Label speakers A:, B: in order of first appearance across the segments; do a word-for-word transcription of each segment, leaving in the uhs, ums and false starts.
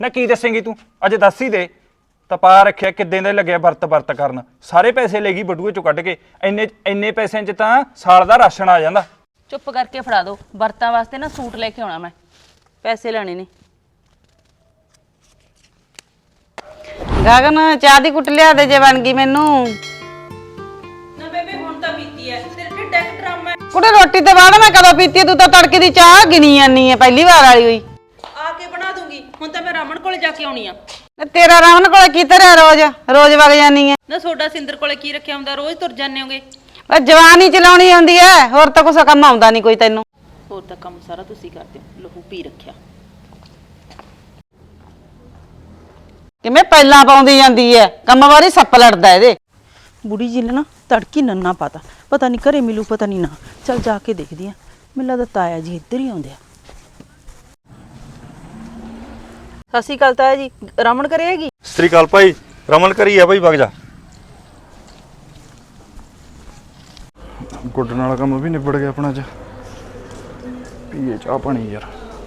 A: ਨਾ ਕੀ ਦੱਸੇਂਗੀ ਤੂੰ ਅਜੇ ਦੱਸ ਹੀ ਦੇ। ਤਪਾ ਰੱਖਿਆ ਕਿੱਦਾਂ ਦਾ ਲੱਗਿਆ ਵਰਤ ਵਰਤ ਕਰਨ, ਸਾਰੇ ਪੈਸੇ ਲੈ ਗਈ ਬਟੂਏ ਚੋਂ ਕੱਢ ਕੇ। ਇੰਨੇ ਇੰਨੇ ਪੈਸਿਆਂ 'ਚ ਤਾਂ ਸਾਲ ਦਾ ਰਾਸ਼ਨ ਆ ਜਾਂਦਾ।
B: ਚੁੱਪ ਕਰਕੇ ਫੜਾ ਦੋ, ਵਰਤਾਂ ਵਾਸਤੇ ਨਾ ਸੂਟ ਲੈ ਕੇ ਆਉਣਾ, ਮੈਂ ਪੈਸੇ ਲੈਣੇ ਨੇ।
C: ਗਗਨ ਚਾਹ ਦੀ ਕੁੱਟ ਲਿਆ ਦੇ ਜੇ ਬਣ ਗਈ ਮੈਨੂੰ।
B: ਨਾ ਬੇਬੇ ਹੁਣ ਤਾਂ ਪੀਤੀ ਐ, ਤੇਰੇ ਢਿੱਡ ਇੱਕ ਡਰਾਮਾ।
C: ਕੁੜੇ ਰੋਟੀ ਤੋਂ ਬਾਅਦ ਮੈਂ ਕਦੋਂ ਪੀਤੀ? ਤੂੰ ਤਾਂ ਤੜਕੇ ਦੀ ਚਾਹ ਗਿਣੀ ਜਾਨੀ ਐ, ਪਹਿਲੀ ਵਾਰ ਵਾਲੀ ਹੋਈ।
B: ਆ ਕੇ ਬਣਾ ਦੂੰਗੀ, ਹੁਣ ਤਾਂ ਮੈਂ ਰਮਨ ਕੋਲੇ ਜਾ ਕੇ ਆਉਣੀ ਆ।
C: ਤੇਰਾ ਰਾਮਨ ਕੋਲੇ ਕੀ ਧਰਿਆ? ਰੋਜ਼ ਰੋਜ਼ ਵਗ ਜਾਨੀ ਐ।
B: ਨਾ ਸੋਡਾ ਸਿੰਦਰ ਕੋਲੇ ਕੀ ਰੱਖਿਆ ਹੁੰਦਾ, ਰੋਜ਼ ਤੁਰ ਜਾਂਦੇ ਹੋਗੇ।
C: ਉਹ ਜਵਾਨੀ ਚਲਾਉਣੀ ਹੁੰਦੀ ਐ, ਹੋਰ ਤਾਂ ਕੁਛ ਕੰਮ ਆਉਂਦਾ ਨਹੀਂ ਕੋਈ ਤੈਨੂੰ।
B: ਹੋਰ ਤਾਂ ਕੰਮ ਸਾਰਾ ਤੁਸੀਂ ਕਰਦੇ ਹੋ, ਲਹੂ ਪੀ ਰੱਖਿਆ।
C: ਕਿਵੇਂ ਪਹਿਲਾਂ ਪਾਉਂਦੀ ਜਾਂਦੀ ਐ, ਕੰਮ ਵਾਰੀ ਸੱਪ ਲੜਦਾ ਇਹਦੇ।
D: ਬੁੜੀ ਜੀ ਨੇ ਨਾ ਤੜਕੀ ਨੰਨਾ ਪਾਤਾ, ਪਤਾ ਨਹੀਂ ਘਰੇ ਮਿਲੂ ਪਤਾ ਨਹੀਂ ਨਾ। ਚੱਲ ਜਾ ਕੇ ਦੇਖਦੀ ਆ, ਮੈਨੂੰ ਲੱਗਦਾ ਤਾਇਆ ਜੀ ਇੱਧਰ ਹੀ ਆਉਂਦੇ ਆ। ਸਤਿ ਸ਼੍ਰੀ ਅਕਾਲ ਤਾਇਆ ਜੀ, ਰਮਨ ਘਰੇ ਹੈਗੀ?
A: ਸਤਿ ਸ੍ਰੀ ਅਕਾਲ ਭਾਈ, ਰਮਨ ਕਰੀ ਆ ਭਾਈ, ਵਗ ਜਾ। ਗੁੱਡਣ ਵਾਲਾ ਕੰਮ ਵੀ ਨਿਬੜ ਗਿਆ ਆਪਣਾ। ਅੱਜ ਪੀਏ ਚਾਹ ਪਾਣੀ ਯਾਰ।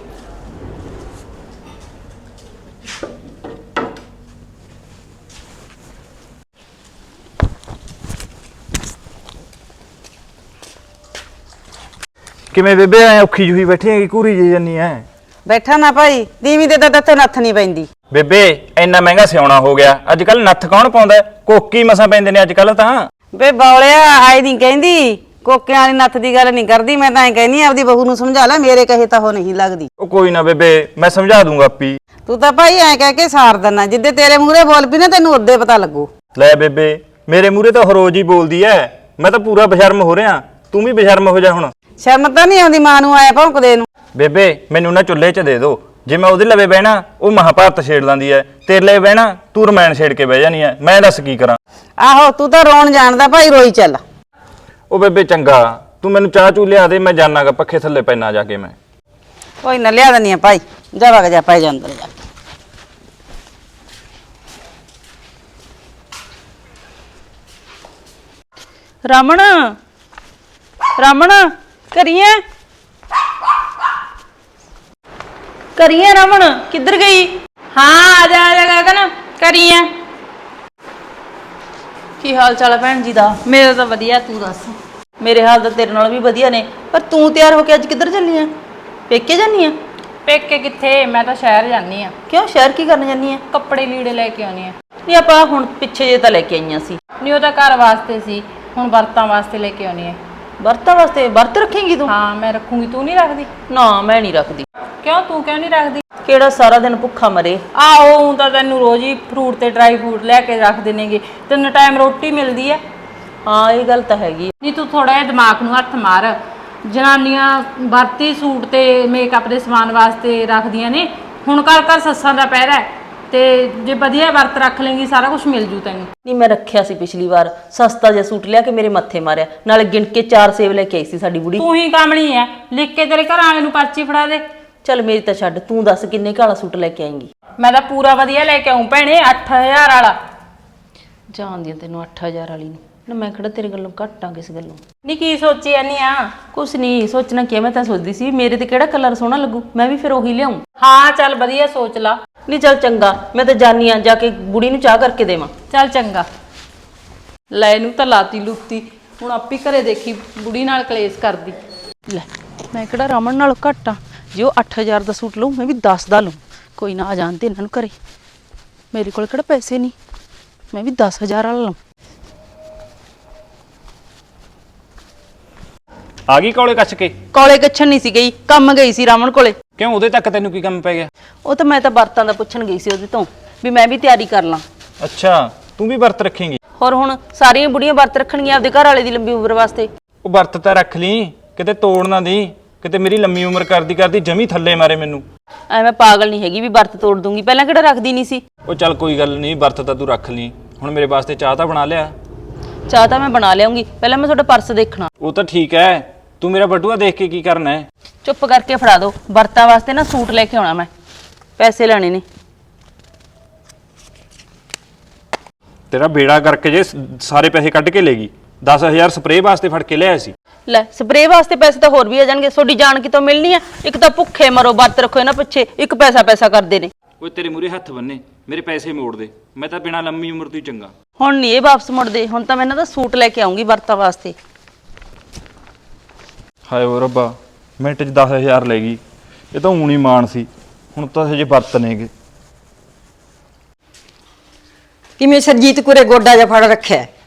A: ਕਿਵੇਂ ਬੇਬੇ ਐ ਔਖੀ ਜੂਹੀ ਬੈਠੀ ਹੈਗੀ, ਘੂਰੀ ਜੀ ਜਾਨੀ ਐ?
C: ਬੈਠਾ ਨਾ ਭਾਈ, ਦੀਵੀ ਦੇ ਤਾਂ ਤੇ ਨੱਥ ਨਹੀਂ ਪੈਂਦੀ।
A: ਬੇਬੇ ਇੰਨਾ ਮਹਿੰਗਾ ਸਿਆਉਣਾ ਹੋ ਗਿਆ, ਅੱਜ ਕੱਲ ਨੱਥ ਕੌਣ ਪਾਉਂਦਾ? ਕੋਕੀ ਮਸਾਂ ਪੈਂਦੇ ਨੇ ਅੱਜ ਕੱਲ ਤਾਂ।
C: ਵੇ ਬੌਲਿਆ ਆਈ ਨਹੀਂ ਕਹਿੰਦੀ, ਕੋਕਿਆਂ ਵਾਲੀ ਨੱਥ ਦੀ ਗੱਲ ਨਹੀਂ ਕਰਦੀ। ਮੈਂ ਤਾਂ ਐ ਕਹਿੰਦੀ ਆਪਦੀ ਬਹੂ ਨੂੰ ਸਮਝਾ ਲੈ, ਮੇਰੇ ਕਹੇ ਤਾਂ ਉਹ ਨਹੀਂ ਲੱਗਦੀ।
A: ਉਹ ਕੋਈ ਨਾ ਬੇਬੇ, ਮੈਂ ਸਮਝਾ ਦੂੰਗਾ ਆਪੀ।
C: ਤੂੰ ਤਾਂ ਭਾਈ ਐ ਕਹਿ ਕੇ ਸਾਰ ਦਿੰਦਾ, ਜਿੱਦੇ ਤੇਰੇ ਮੂਹਰੇ ਬੋਲ ਪਈ ਨਾ ਤੈਨੂੰ ਉਦੇ ਪਤਾ ਲੱਗੂ।
A: ਲੈ ਬੇਬੇ, ਮੇਰੇ ਮੂਹਰੇ ਤਾਂ ਰੋਜ਼ ਹੀ ਬੋਲਦੀ ਐ, ਮੈਂ ਤਾਂ ਪੂਰਾ ਬਸ਼ਰਮ ਹੋ ਰਿਹਾ। ਤੂੰ ਵੀ ਬਸ਼ਰਮ ਹੋ ਜਾ ਹੁਣ।
C: ਸ਼ਰਮ ਤਾਂ ਨਹੀਂ ਆਉਂਦੀ ਮਾਂ ਨੂੰ ਆਇਆ ਭੌਂਕਦੇ ਨੂੰ।
A: ਬੇਬੇ ਮੈਨੂੰ ਨਾ ਚੁੱਲ੍ਹੇ 'ਚ ਦੇ ਦੋ, ਜੇ ਮੈਂ ਉਹਦੇ ਲਵੇ ਬਹਿਣਾ ਉਹ ਮਹਾਭਾਰਤ ਛੇੜ ਲੈਂਦੀ ਐ, ਤੇਰੇ ਲਈ ਬਹਿਣਾ ਤੂੰ ਰਮਾਇਣ ਛੇੜ ਕੇ ਬਹਿ ਜਾਨੀ ਐ। ਮੈਂ ਦੱਸ ਕੀ ਕਰਾਂ?
C: ਆਹੋ ਤੂੰ ਤਾਂ ਰੋਣ ਜਾਣਦਾ ਭਾਈ, ਰੋਈ ਚੱਲ।
A: ਉਹ ਬੇਬੇ ਚੰਗਾ, ਤੂੰ ਮੈਨੂੰ ਚਾਹ ਚੂ ਲਿਆ ਦੇ, ਮੈਂ ਜਾਣਾਗਾ ਪੱਖੇ ਥੱਲੇ ਪੈਣਾ ਜਾ ਕੇ। ਮੈਂ
C: ਕੋਈ ਨਾ ਲਿਆ ਦਨੀ ਆ ਭਾਈ, ਜਾ ਵਗ ਜਾ ਪੈ ਜਾ ਅੰਦਰ ਜਾ।
D: ਰਮਨ, ਰਮਨ ਕਰੀਏ ਕਰੀਏ ਰਮਨ ਕਿੱਧਰ ਗਈ?
B: ਹਾਂ ਆ ਜਾ ਆ ਜਾ ਗਗਨ, ਕਰੀਏ।
D: ਕੀ ਹਾਲ ਚਾਲ ਹੈ ਭੈਣ ਜੀ ਦਾ?
B: ਮੇਰਾ ਤਾਂ ਵਧੀਆ, ਤੂੰ ਦੱਸ।
D: ਮੇਰੇ ਹਾਲ ਤਾਂ ਤੇਰੇ ਨਾਲ ਵੀ ਵਧੀਆ ਨੇ, ਪਰ ਤੂੰ ਤਿਆਰ ਹੋ ਕੇ ਅੱਜ ਕਿੱਧਰ ਚੱਲੀ ਆ? ਪੇਕੇ ਜਾਨੀ ਆ?
B: ਪੇਕੇ ਕਿੱਥੇ, ਮੈਂ ਤਾਂ ਸ਼ਹਿਰ ਜਾਂਦੀ ਆ।
D: ਕਿਉਂ, ਸ਼ਹਿਰ ਕੀ ਕਰਨ ਜਾਨੀ ਆ?
B: ਕੱਪੜੇ ਲੀੜੇ ਲੈ ਕੇ ਆਉਣੀ ਆ।
D: ਨਹੀਂ ਆਪਾਂ ਹੁਣ ਪਿੱਛੇ ਜੇ ਤਾਂ ਲੈ ਕੇ ਆਈਆਂ ਸੀ।
B: ਨਹੀਂ ਉਹ ਤਾਂ ਘਰ ਵਾਸਤੇ ਸੀ, ਹੁਣ ਵਰਤਾਂ ਵਾਸਤੇ ਲੈ ਕੇ ਆਉਣੀ ਆ।
D: ਵਰਤਾਂ ਵਾਸਤੇ? ਵਰਤ ਰੱਖੇਂਗੀ ਤੂੰ?
B: ਹਾਂ ਮੈਂ ਰੱਖੂੰਗੀ, ਤੂੰ ਨਹੀਂ ਰੱਖਦੀ?
D: ਨਾ ਮੈਂ ਨਹੀਂ ਰੱਖਦੀ।
B: ਕਿਉਂ, ਤੂੰ ਕਿਉਂ ਨਹੀਂ ਰੱਖਦੀ?
D: ਕਿਹੜਾ ਸਾਰਾ ਦਿਨ ਭੁੱਖਾ ਮਰੇ।
B: ਆਹੋ ਹੁਣ ਤਾਂ ਤੈਨੂੰ ਰੋਜ਼ ਹੀ ਫਰੂਟ ਤੇ ਡਰਾਈ ਫਰੂਟ ਲੈ ਕੇ ਰੱਖ ਦੇਣਗੇ, ਤਿੰਨ ਟਾਈਮ ਰੋਟੀ ਮਿਲਦੀ ਹੈ।
D: ਹਾਂ ਇਹ ਗੱਲ ਤਾਂ ਹੈਗੀ।
B: ਨਹੀਂ ਤੂੰ ਥੋੜਾ ਜਿਹਾ ਦਿਮਾਗ ਨੂੰ ਹੱਥ ਮਾਰ। ਜਨਾਨੀਆਂ ਵਰਤੀ ਸੂਟ ਤੇ ਮੇਕਅਪ ਦੇ ਸਮਾਨ ਵਾਸਤੇ ਰੱਖਦੀਆਂ ਨੇ। ਹੁਣ ਘਰ ਘਰ ਸੱਸਾਂ ਦਾ ਪਹਿਰਾ ਹੈ, ਤੇ ਜੇ ਵਧੀਆ ਵਰਤ ਰੱਖ ਲੇਂਗੀ ਸਾਰਾ ਕੁਝ ਮਿਲ ਜੂ ਤੈਨੂੰ।
D: ਨਹੀਂ ਮੈਂ ਰੱਖਿਆ ਸੀ ਪਿਛਲੀ ਵਾਰ, ਸਸਤਾ ਜਿਹਾ ਸੂਟ ਲਿਆ ਕੇ ਮੇਰੇ ਮੱਥੇ ਮਾਰਿਆ, ਨਾਲੇ ਗਿਣ ਕੇ ਚਾਰ ਸੇਬ ਲੈ ਕੇ ਆਈ ਸੀ ਸਾਡੀ ਬੁੜੀ।
B: ਤੂੰ ਹੀ ਕਾਮਣੀ ਹੈ, ਲਿਖ ਕੇ ਤੇਰੇ ਘਰ ਵਾਲੇ ਨੂੰ ਪਰਚੀ ਫੜਾ ਦੇ।
D: ਚੱਲ ਮੇਰੀ ਤਾਂ ਛੱਡ, ਤੂੰ ਦੱਸ ਕਿੰਨੇ ਕਾਲਾ ਸੂਟ ਲੈ ਕੇ ਆਏਂਗੀ?
B: ਮੈਂ ਤਾਂ ਪੂਰਾ ਵਧੀਆ ਲੈ ਕੇ ਆਉਂ ਭੈਣੇ, ਅੱਠ ਹਜ਼ਾਰ ਵਾਲਾ।
D: ਜਾਣਦੀ ਆ ਤੈਨੂੰ ਅੱਠ ਹਜ਼ਾਰ ਵਾਲੀ ਨੂੰ, ਨਾ ਮੈਂ ਕਿਹੜਾ ਤੇਰੇ ਗੱਲੋਂ ਘੱਟ ਆ ਕਿਸ ਗੱਲੋਂ।
B: ਨਹੀਂ ਕੀ ਸੋਚੀ ਜਾਨੀ ਆ?
D: ਕੁਛ ਨਹੀਂ ਸੋਚਣਾ ਕੀ, ਮੈਂ ਤਾਂ ਸੋਚਦੀ ਸੀ ਮੇਰੇ ਤੇ ਕਿਹੜਾ ਕਲਰ ਸੋਹਣਾ ਲੱਗੂ, ਮੈਂ ਵੀ ਫਿਰ ਉਹੀ ਲਿਆਉਂ।
B: ਹਾਂ ਚੱਲ ਵਧੀਆ ਸੋਚ ਲਾ।
D: ਨਹੀਂ ਚੱਲ ਚੰਗਾ, ਮੈਂ ਤਾਂ ਜਾਨੀ ਆ, ਜਾ ਕੇ ਬੁੜੀ ਨੂੰ ਚਾਹ ਕਰਕੇ ਦੇਵਾਂ।
B: ਚੱਲ ਚੰਗਾ। ਲੈ ਇਹਨੂੰ ਤਾਂ ਲਾਤੀ ਲੁੱਤੀ, ਹੁਣ ਆਪੀ ਘਰੇ ਦੇਖੀ ਬੁੜੀ ਨਾਲ ਕਲੇਸ਼ ਕਰਦੀ।
D: ਲੈ ਮੈਂ ਕਿਹੜਾ ਰਮਨ ਨਾਲੋਂ ਘੱਟ ਆ, ਜੇ ਉਹ ਅੱਠ ਹਜ਼ਾਰ ਦਾ ਸੂਟ ਲਊ ਮੈਂ ਵੀ ਦਸ ਦਾ ਲਊ। ਕੋਈ ਨਾ ਆ ਜਾਣ ਤੇ ਇਹਨਾਂ ਨੂੰ ਘਰੇ, ਮੇਰੇ ਕੋਲ ਕਿਹੜਾ ਪੈਸੇ ਨਹੀਂ, ਮੈਂ ਵੀ ਦਸ ਹਜ਼ਾਰ ਵਾਲਾ ਲਊ।
A: ਆ ਗਈ ਕੋਲੇ ਕੱਛ ਕੇ?
D: ਕੋਲੇ ਕੱਛਣ ਨਹੀਂ ਸੀ ਗਈ, ਕੰਮ ਗਈ ਸੀ ਰਮਨ ਕੋਲੇ।
A: ਕਿਉਂ, ਉਹਦੇ ਤੱਕ ਤੈਨੂੰ ਕੀ ਕੰਮ ਪੈ ਗਿਆ?
D: ਉਹ ਤਾਂ ਮੈਂ ਤਾਂ ਵਰਤਾਂ ਦਾ ਪੁੱਛਣ ਗਈ ਸੀ ਉਹਦੇ ਤੋਂ, ਵੀ ਮੈਂ ਵੀ ਤਿਆਰੀ ਕਰ ਲਾਂ।
A: ਅੱਛਾ, ਤੂੰ ਵੀ ਵਰਤ ਰੱਖੇਂਗੀ?
D: ਹੋਰ ਹੁਣ ਸਾਰੀਆਂ ਬੁੜੀਆਂ ਵਰਤ ਰੱਖਣਗੀਆਂ ਆਪਦੇ ਘਰ ਵਾਲੇ ਦੀ ਲੰਬੀ ਉਮਰ ਵਾਸਤੇ।
A: ਉਹ ਵਰਤ ਤਾਂ ਰੱਖ ਲਈ, ਕਿਤੇ ਤੋੜ ਨਾ ਦੀ, ਕਿਤੇ ਮੇਰੀ ਲੰਮੀ ਉਮਰ ਕਰਦੀ ਕਰਦੀ ਜਮੀ ਥੱਲੇ ਮਾਰੇ ਮੈਨੂੰ।
D: ਐ ਮੈਂ ਪਾਗਲ ਨਹੀਂ ਹੈਗੀ ਵੀ ਵਰਤ ਤੋੜ ਦੂੰਗੀ, ਪਹਿਲਾਂ ਕਿਹੜਾ ਰੱਖਦੀ ਨਹੀਂ ਸੀ।
A: ਉਹ ਚੱਲ ਕੋਈ ਗੱਲ ਨਹੀਂ, ਵਰਤ ਤਾਂ ਤੂੰ ਰੱਖ ਲਈ। ਹੁਣ ਮੇਰੇ ਵਾਸਤੇ ਚਾਹ ਤਾਂ ਬਣਾ ਲਿਆ।
D: ਚਾਹ ਤਾਂ ਮੈਂ ਬਣਾ ਲਿਆਉਂਗੀ, ਪਹਿਲਾਂ ਮੈਂ ਤੁਹਾਡਾ ਪਰਸ ਦੇਖਣਾ।
A: ਉਹ ਤਾਂ ਠੀਕ ਹੈ, ਤੂੰ ਮੇਰਾ ਬਟੂਆ ਦੇਖ ਕੇ ਕੀ ਕਰਨਾ ਹੈ?
D: ਚੁੱਪ ਕਰਕੇ ਫੜਾ ਦੋ, ਵਰਤਾਂ ਵਾਸਤੇ ਨਾ ਸੂਟ ਲੈ ਕੇ ਆਉਣਾ, ਮੈਂ ਪੈਸੇ ਲੈਣੇ ਨੇ।
A: ਤੇਰਾ ਬੇੜਾ ਕਰਕੇ ਜੇ ਸਾਰੇ ਪੈਸੇ ਕੱਢ ਕੇ ਲੈ ਗਈ। ਦਸ ਹਜ਼ਾਰ ਸਪਰੇਅ ਵਾਸਤੇ ਫੜ ਕੇ ਲਿਆਇਆ ਸੀ।
D: ਲੈ ਸਪਰੇਅ ਵਾਸਤੇ ਪੈਸੇ ਤਾਂ ਹੋਰ ਵੀ ਆ ਜਾਣਗੇ, ਤੁਹਾਡੀ ਜਾਨ ਕਿਤੋਂ ਮਿਲਣੀ ਆ? ਇੱਕ ਤਾਂ ਭੁੱਖੇ ਮਰੋ ਵਰਤ ਰੱਖੋ ਇਹਨਾਂ ਪਿੱਛੇ, ਇੱਕ ਪੈਸਾ ਪੈਸਾ ਕਰਦੇ ਨੇ।
A: ਓਏ ਤੇਰੇ ਮੂਰੇ ਹੱਥ ਬੰਨੇ, ਮੇਰੇ ਪੈਸੇ ਮੋੜ ਦੇ, ਮੈਂ ਤਾਂ ਬਿਨਾਂ ਲੰਮੀ ਉਮਰ ਤੋਂ ਹੀ ਚੰਗਾ।
D: ਹੁਣ ਨਹੀਂ ਇਹ ਵਾਪਸ ਮੁੜਦੇ, ਹੁਣ ਤਾਂ ਮੈਂ ਇਹਨਾਂ ਦਾ ਸੂਟ ਲੈ ਕੇ ਆਉਂਗੀ ਵਰਤਾਂ ਵਾਸਤੇ।
A: ਹਾਏ ਓ ਰੱਬਾ, ਮਿੰਟ 'ਚ ਦਸ ਹਜ਼ਾਰ ਲੈ ਗਈ। ਇਹ ਤਾਂ ਊਣੀ ਮਾਣ ਸੀ, ਹੁਣ ਤਾਂ ਹਜੇ ਵਰਤ ਨੇਗੇ।
E: ਕਿਵੇਂ ਸਰਜੀਤ ਕੁਰੇ ਗੋਡਾ ਜਿਹਾ ਫੜ ਰੱਖਿਆ ਹੈ?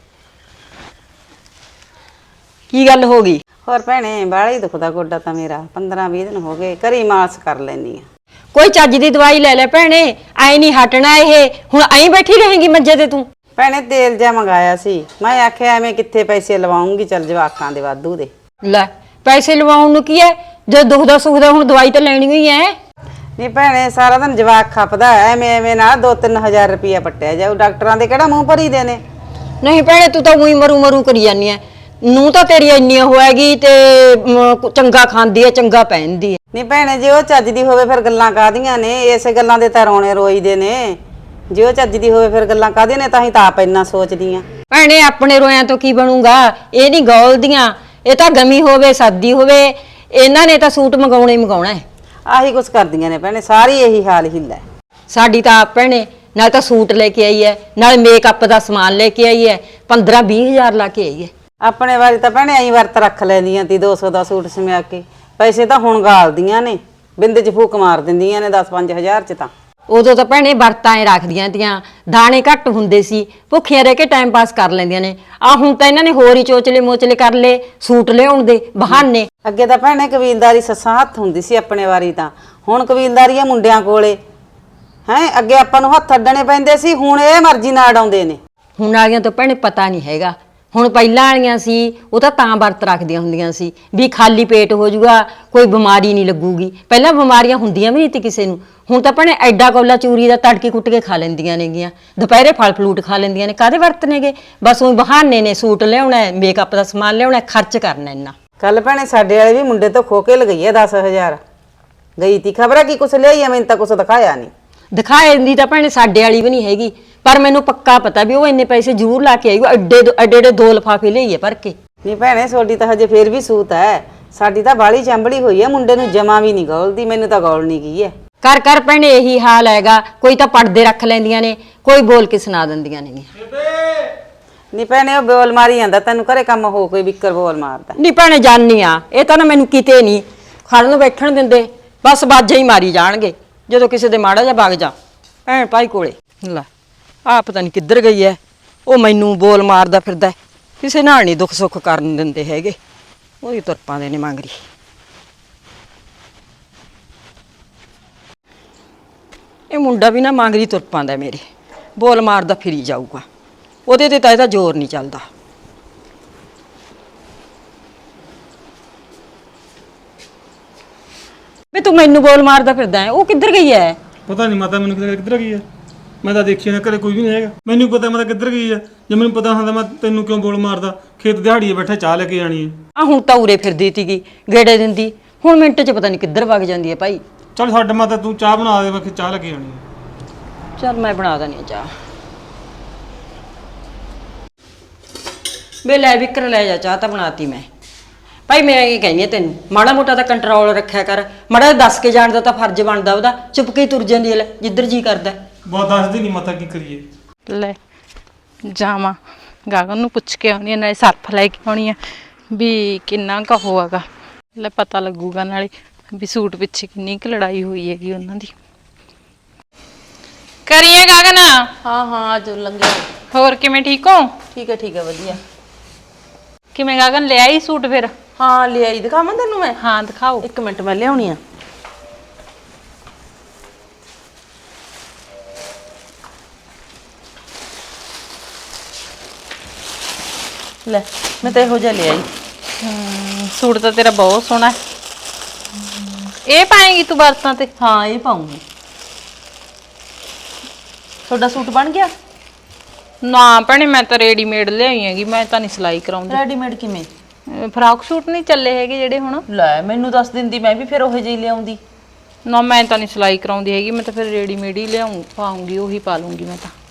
E: ਕੀ ਗੱਲ ਹੋ ਗਈ?
C: ਹੋਰ ਭੈਣੇ ਬਾਹਲਾ ਹੀ ਦੁਖਦਾ ਗੋਡਾ ਤਾਂ ਮੇਰਾ, ਪੰਦਰਾਂ ਵੀਹ ਦਿਨ ਹੋ ਗਏ, ਘਰੇ ਮਾਲਸ਼ ਕਰ ਲੈਂਦੀ ਆ।
E: ਕੋਈ ਚੱਜ ਦੀ ਦਵਾਈ ਲੈ ਲੈ ਭੈਣੇ, ਐ ਨਹੀਂ ਹਟਣਾ ਇਹ। ਹੁਣ ਐਂ ਬੈਠੀ ਰਹੇਗੀ ਮੰਜੇ ਤੇ ਤੂੰ?
C: ਭੈਣੇ ਤੇਲ ਜਿਹਾ ਮੰਗਾਇਆ ਸੀ, ਮੈਂ ਆਖਿਆ ਐਵੇਂ ਕਿੱਥੇ ਪੈਸੇ ਲਵਾਉਂਗੀ, ਚੱਲ ਜਵਾਕਾਂ ਦੇ ਵਾਧੂ ਦੇ।
E: ਲੈ ਪੈਸੇ ਲਵਾਉਣ ਨੂੰ ਕੀ ਹੈ, ਜੇ ਦੁਖਦਾ ਸੁਖਦਾ ਹੁਣ ਦਵਾਈ ਤਾਂ ਲੈਣੀ ਹੀ ਹੈ।
C: ਨਹੀਂ ਭੈਣੇ ਸਾਰਾ ਦਿਨ ਜਵਾਕ ਖਪਦਾ, ਐਵੇਂ ਐਵੇਂ ਨਾਲ ਦੋ ਤਿੰਨ ਹਜ਼ਾਰ ਰੁਪਇਆ ਪੱਟਿਆ ਜਾਊ, ਡਾਕਟਰਾਂ ਦੇ ਕਿਹੜਾ ਮੂੰਹ ਭਰੀ ਦੇ ਨੇ।
E: ਨਹੀਂ ਭੈਣੇ ਤੂੰ ਤਾਂ ਉਹੀ ਮਰੂ ਮਰੂ ਕਰੀ ਜਾਂਦੀ ਐ। ਨੂੰ ਤਾਂ ਤੇਰੀ ਇੰਨੀ ਹੋਏਗੀ ਤੇ ਮ, ਚੰਗਾ ਖਾਂਦੀ ਐ, ਚੰਗਾ ਪਹਿਨਦੀ ਐ।
C: ਨਹੀਂ ਭੈਣੇ ਜੇ ਉਹ ਚੱਜ ਦੀ ਹੋਵੇ ਫਿਰ ਗੱਲਾਂ ਕਾਹਦੀਆਂ ਨੇ, ਇਸੇ ਗੱਲਾਂ ਦੇ ਤਾਂ ਰੋਣੇ ਰੋਈਦੇ ਨੇ। ਜੇ ਉਹ ਚੱਜ ਦੀ ਹੋਵੇ ਫਿਰ ਗੱਲਾਂ ਕਾਹਦੀਆਂ ਨੇ, ਤਾਂ ਹੀ ਤਾਂ ਆਪ ਇੰਨਾ ਸੋਚਦੀ ਆ।
E: ਭੈਣੇ ਆਪਣੇ ਰੋਇਆਂ ਤੋਂ ਕੀ ਬਣੂਗਾ, ਇਹ ਨਹੀਂ ਗੋਲਦੀਆਂ। ਇਹ ਤਾਂ ਗਮੀ ਹੋਵੇ ਸਰਦੀ ਹੋਵੇ, ਇਹਨਾਂ ਨੇ ਤਾਂ ਸੂਟ ਮੰਗਾਉਣਾ ਹੀ ਮੰਗਾਉਣਾ ਹੈ।
C: ਆਹੀ ਕੁਛ ਕਰਦੀਆਂ ਨੇ ਭੈਣੇ, ਸਾਰੀ ਇਹੀ ਹਾਲ ਹਿੱਲਾ।
E: ਸਾਡੀ ਤਾਂ ਆਪ ਭੈਣੇ ਨਾਲ ਤਾਂ ਸੂਟ ਲੈ ਕੇ ਆਈ ਐ, ਨਾਲ ਮੇਕਅਪ ਦਾ ਸਮਾਨ ਲੈ ਕੇ ਆਈ ਐ, ਪੰਦਰਾਂ ਵੀਹ ਹਜ਼ਾਰ ਲਾ ਕੇ ਆਈ ਐ।
C: ਆਪਣੇ ਵਾਰੀ ਤਾਂ ਭੈਣੇ ਐਂ ਵਰਤ ਰੱਖ ਲੈਂਦੀਆਂ ਤੀ, ਦੋ ਸੌ ਦਾ ਸੂਟ ਸਮਿਆ ਕੇ। ਪੈਸੇ ਤਾਂ ਹੁਣ ਗਾਲਦੀਆਂ ਨੇ, ਬਿੰਦ 'ਚ ਫੂਕ ਮਾਰ ਦਿੰਦੀਆਂ ਨੇ ਦਸ ਪੰਜ ਹਜ਼ਾਰ 'ਚ। ਤਾਂ
E: ਉਦੋਂ ਤਾਂ ਭੈਣੇ ਵਰਤਾਂ ਐ ਰੱਖਦੀਆਂ ਤੀਆਂ, ਦਾਣੇ ਘੱਟ ਹੁੰਦੇ ਸੀ, ਭੁੱਖੀਆਂ ਰਹਿ ਕੇ ਟਾਈਮ ਪਾਸ ਕਰ ਲੈਂਦੀਆਂ ਨੇ। ਆ ਹੁਣ ਤਾਂ ਇਹਨਾਂ ਨੇ ਹੋਰ ਹੀ ਚੋਚਲੇ ਮੋਚਲੇ ਕਰ ਲਏ, ਸੂਟ ਲਿਆਉਣ ਦੇ ਬਹਾਨੇ।
C: ਅੱਗੇ ਤਾਂ ਭੈਣੇ ਕਬੀਲਦਾਰੀ ਸੱਸਾਂ ਹੱਥ ਹੁੰਦੀ ਸੀ ਆਪਣੇ ਵਾਰੀ, ਤਾਂ ਹੁਣ ਕਬੀਲਦਾਰੀ ਆ ਮੁੰਡਿਆਂ ਕੋਲੇ ਹੈ। ਅੱਗੇ ਆਪਾਂ ਨੂੰ ਹੱਥ ਅੱਡਣੇ ਪੈਂਦੇ ਸੀ, ਹੁਣ ਇਹ ਮਰਜ਼ੀ ਨਾਲ ਅਡਾਉਂਦੇ ਨੇ।
E: ਹੁਣ ਵਾਲੀਆਂ ਤਾਂ ਭੈਣੇ ਪਤਾ ਨਹੀਂ ਹੈਗਾ। ਹੁਣ ਪਹਿਲਾਂ ਵਾਲੀਆਂ ਸੀ ਉਹ ਤਾਂ ਤਾਂ ਵਰਤ ਰੱਖਦੀਆਂ ਹੁੰਦੀਆਂ ਸੀ ਵੀ ਖਾਲੀ ਪੇਟ ਹੋ ਜਾਊਗਾ, ਕੋਈ ਬਿਮਾਰੀ ਨਹੀਂ ਲੱਗੂਗੀ। ਪਹਿਲਾਂ ਬਿਮਾਰੀਆਂ ਹੁੰਦੀਆਂ ਵੀ ਨਹੀਂ ਤੀ ਕਿਸੇ ਨੂੰ। ਹੁਣ ਤਾਂ ਭੈਣੇ ਐਡਾ ਕੌਲਾ ਚੂਰੀ ਦਾ ਤੜਕੀ ਕੁੱਟ ਕੇ ਖਾ ਲੈਂਦੀਆਂ ਨੇਗੀਆਂ, ਦੁਪਹਿਰੇ ਫਲ ਫਲੂਟ ਖਾ ਲੈਂਦੀਆਂ ਨੇ। ਕਾਹਦੇ ਵਰਤ ਨੇਗੇ, ਬਸ ਉਹ ਬਹਾਨੇ ਨੇ। ਸੂਟ ਲਿਆਉਣਾ, ਮੇਕਅਪ ਦਾ ਸਮਾਨ ਲਿਆਉਣਾ, ਖਰਚ ਕਰਨਾ ਇੰਨਾ।
C: ਕੱਲ ਭੈਣੇ ਸਾਡੇ ਵਾਲੇ ਵੀ ਮੁੰਡੇ ਤੋਂ ਖੋ ਕੇ ਲਗਈ ਆ ਦਸ ਹਜ਼ਾਰ। ਗਈ ਤੀ ਖਬਰ ਆ ਕੀ ਕੁਛ ਲਿਆਈ ਆ, ਮੈਨੂੰ ਤਾਂ ਕੁਛ ਦਿਖਾਇਆ ਨਹੀਂ।
E: ਦਿਖਾਏ ਦੀ ਤਾਂ ਭੈਣੇ ਸਾਡੇ ਵਾਲੀ ਵੀ ਨਹੀਂ ਹੈਗੀ, ਪਰ ਮੈਨੂੰ ਪੱਕਾ ਪਤਾ ਵੀ ਉਹ ਇੰਨੇ ਪੈਸੇ ਜ਼ਰੂਰ ਲਾ ਕੇ ਆਈ। ਐਡੇ ਐਡੇ ਐਡੇ ਦੋ ਲਿਫਾਫੇ ਲਈਏ ਭਰ ਕੇ।
C: ਨਹੀਂ ਭੈਣੇ ਤੁਹਾਡੀ ਤਾਂ ਹਜੇ ਫੇਰ ਵੀ ਸੂਤ ਹੈ, ਸਾਡੀ ਤਾਂ ਬਾਲੀ ਚੰਬੜੀ ਹੋਈ ਹੈ, ਮੁੰਡੇ ਨੂੰ ਜਮਾ ਵੀ ਨਹੀਂ ਗੋਲਦੀ। ਮੈਨੂੰ ਤਾਂ ਗੋਲ ਨਹੀਂ ਗਈ ਹੈ।
E: ਕਰ ਕਰ ਭੈਣੇ ਇਹੀ ਹਾਲ ਹੈਗਾ। ਕੋਈ ਤਾਂ ਪੜਦੇ ਰੱਖ ਲੈਂਦੀਆਂ ਨੇ, ਕੋਈ ਬੋਲ ਕੇ ਸੁਣਾ ਦਿੰਦੀਆਂ ਨੇ।
C: ਨਹੀਂ ਭੈਣੇ ਉਹ ਬੋਲ ਮਾਰੀ ਜਾਂਦਾ, ਤੈਨੂੰ ਘਰੇ ਕੰਮ ਹੋ ਕੋਈ ਵਿਕਰ ਬੋਲ ਮਾਰਦਾ।
E: ਨਹੀਂ ਭੈਣੇ ਜਾਨੀ ਆ, ਇਹ ਤਾਂ ਨਾ ਮੈਨੂੰ ਕਿਤੇ ਨਹੀਂ ਖੜਨ ਬੈਠਣ ਦਿੰਦੇ, ਬਸ ਬਾਜੇ ਹੀ ਮਾਰੀ ਜਾਣਗੇ ਜਦੋਂ ਕਿਸੇ ਦੇ ਮਾੜਾ ਜਿਹਾ ਵਗ ਜਾ ਭੈਣ ਭਾਈ ਕੋਲੇ। ਲੈ ਆ ਪਤਾ ਨਹੀਂ ਕਿੱਧਰ ਗਈ ਐ, ਉਹ ਮੈਨੂੰ ਬੋਲ ਮਾਰਦਾ ਫਿਰਦਾ, ਕਿਸੇ ਨਾਲ ਨਹੀਂ ਦੁੱਖ ਸੁੱਖ ਕਰਨ ਦਿੰਦੇ ਹੈਗੇ, ਉਹੀ ਤੁਰ ਪਾਉਂਦੇ ਨੇ ਮੰਗਰੀ। ਇਹ ਮੁੰਡਾ ਵੀ ਨਾ ਮੰਗਰੀ ਤੁਰ ਪਾਉਂਦਾ ਮੇਰੇ, ਬੋਲ ਮਾਰਦਾ ਫਿਰੀ ਜਾਊਗਾ, ਉਹਦੇ ਤੇ ਤਾਂ ਇਹਦਾ ਜ਼ੋਰ ਨਹੀਂ ਚੱਲਦਾ। ਵੀ ਤੂੰ ਮੈਨੂੰ ਬੋਲ ਮਾਰਦਾ ਫਿਰਦਾ ਹੈ, ਉਹ ਕਿੱਧਰ ਗਈ ਹੈ?
F: ਪਤਾ ਨਹੀਂ ਮਾਤਾ ਮੈਨੂੰ ਕਿੱਧਰ ਕਿੱਧਰ ਗਈ ਹੈ। ਮੈਂ ਤਾਂ ਦੇਖੀ ਨਾ ਘਰੇ ਕੋਈ ਵੀ ਨਹੀਂ ਹੈਗਾ। ਮੈਨੂੰ ਪਤਾ ਮੈਂ ਤਾਂ ਕਿੱਧਰ ਗਈ ਹੈ। ਜੇ ਮੈਨੂੰ ਪਤਾ ਹੁੰਦਾ ਮੈਂ ਤੈਨੂੰ ਕਿਉਂ ਬੋਲ ਮਾਰਦਾ। ਖੇਤ ਦਿਹਾੜੀਏ ਬੈਠਾ ਚਾਹ ਲੈ ਕੇ ਜਾਣੀ ਹੈ।
E: ਆ ਹੁਣ ਤਾਂ ਉਰੇ ਫਿਰਦੀ ਤੀਗੀ, ਗੇੜੇ ਦਿੰਦੀ, ਹੁਣ ਮਿੰਟ 'ਚ ਪਤਾ ਨਹੀਂ ਕਿੱਧਰ ਵਗ ਜਾਂਦੀ ਹੈ ਭਾਈ।
F: ਚੱਲ ਛੱਡ ਮਾਤਾ, ਤੂੰ ਚਾਹ ਬਣਾ ਦੇ, ਮੈਂ ਖੇਤ ਚਾਹ ਲੈ ਕੇ ਜਾਣੀ ਹੈ।
E: ਚੱਲ ਮੈਂ ਬਣਾ ਦਣੀ ਆ ਚਾਹ। ਵੇ ਲੈ ਵਿਕਰ ਲੈ ਜਾ ਚਾਹ, ਤਾਂ ਬਣਾਤੀ ਮੈਂ। ਭਾਈ ਮੈਂ ਇਹ ਕਹਿੰਦੀ ਆ ਤੈਨੂੰ, ਮਾੜਾ ਮੋਟਾ ਤਾਂ ਕੰਟਰੋਲ ਰੱਖਿਆ ਕਰ, ਮਾੜਾ ਦੱਸ ਕੇ ਜਾਣ ਦਾ ਤਾਂ ਫਰਜ਼ ਬਣਦਾ ਉਹਦਾ। ਚੁੱਪ ਕੇ ਤੁਰ ਜਾਂਦੀ ਹੈ ਜਿੱਧਰ ਜੀ ਕਰਦਾ।
F: ਬਹੁਤ ਦੱਸਦੀ ਨਹੀਂ ਮਾਤਾ, ਕੀ ਕਰੀਏ।
B: ਲੈ ਜਾਵਾਂ ਗਾਗਨ ਨੂੰ ਪੁੱਛ ਕੇ ਆਉਣੀ ਆ, ਨਾਲੇ ਸਰਫ ਲੈ ਕੇ ਆਉਣੀ ਆ ਵੀ ਕਿੰਨਾ ਕੁ ਹੋਵੇਗਾ। ਲੈ ਪਤਾ ਲੱਗੂਗਾ ਨਾਲੇ ਵੀ ਸੂਟ ਪਿੱਛੇ ਕਿੰਨੀ ਕੁ ਲੜਾਈ ਹੋਈ ਹੈਗੀ ਉਹਨਾਂ ਦੀ। ਕਰੀਏ ਗਾਗਨ?
D: ਹਾਂ ਹਾਂ ਅੱਜ ਲੰਘਿਆ।
B: ਹੋਰ ਕਿਵੇਂ, ਠੀਕ ਹੋ?
D: ਠੀਕ ਹੈ ਠੀਕ ਹੈ ਵਧੀਆ।
B: ਕਿਵੇਂ ਗਾਗਨ ਲੈ ਆਈ ਸੂਟ ਫਿਰ?
D: ਹਾਂ ਲੈ ਆਈ, ਦਿਖਾਵਾਂ ਤੈਨੂੰ ਮੈਂ?
B: ਹਾਂ ਦਿਖਾਓ।
D: ਇੱਕ ਮਿੰਟ ਮੈਂ ਲਿਆਉਣੀ ਆ। ਲੈ ਮੈਂ ਤਾਂ ਇਹੋ ਜਿਹਾ ਲੈ ਆਈ।
B: ਹਮ, ਸੂਟ ਤਾਂ ਤੇਰਾ ਬਹੁਤ ਸੋਹਣਾ ਹੈ। ਇਹ ਪਾਏਂਗੀ ਤੂੰ ਵਰਤਾਂ ਤੇ?
D: ਹਾਂ ਇਹ ਪਾਉਂਗੀ। ਤੁਹਾਡਾ ਸੂਟ ਬਣ ਗਿਆ?
B: ਨਾ ਭੈਣੇ ਮੈਂ ਤਾਂ ਰੈਡੀਮੇਡ ਲਿਆਈ ਹੈਗੀ, ਮੈਂ ਤਾਂ ਨਹੀਂ ਸਿਲਾਈ ਕਰਾਉਂਦੀ।
D: ਰੈਡੀਮੇਡ ਕਿਵੇਂ?
B: ਅਹ ਫਰਾਕ ਸੂਟ ਨਹੀਂ ਚੱਲੇ ਹੈਗੇ ਜਿਹੜੇ ਹੁਣ?
D: ਲੈ ਮੈਨੂੰ ਦੱਸ ਦਿੰਦੀ, ਮੈਂ ਵੀ ਫਿਰ ਉਹੋ ਜਿਹੀ ਲਿਆਉਂਦੀ।
B: ਨਾ ਮੈਂ ਤਾਂ ਨਹੀਂ ਸਿਲਾਈ ਕਰਾਉਂਦੀ ਹੈਗੀ, ਮੈਂ ਤਾਂ ਫਿਰ ਰੈਡੀਮੇਡ ਹੀ ਲਿਆਉਂ ਪਾਉਂਗੀ, ਉਹੀ ਪਾ ਲੂੰਗੀ ਮੈਂ ਤਾਂ।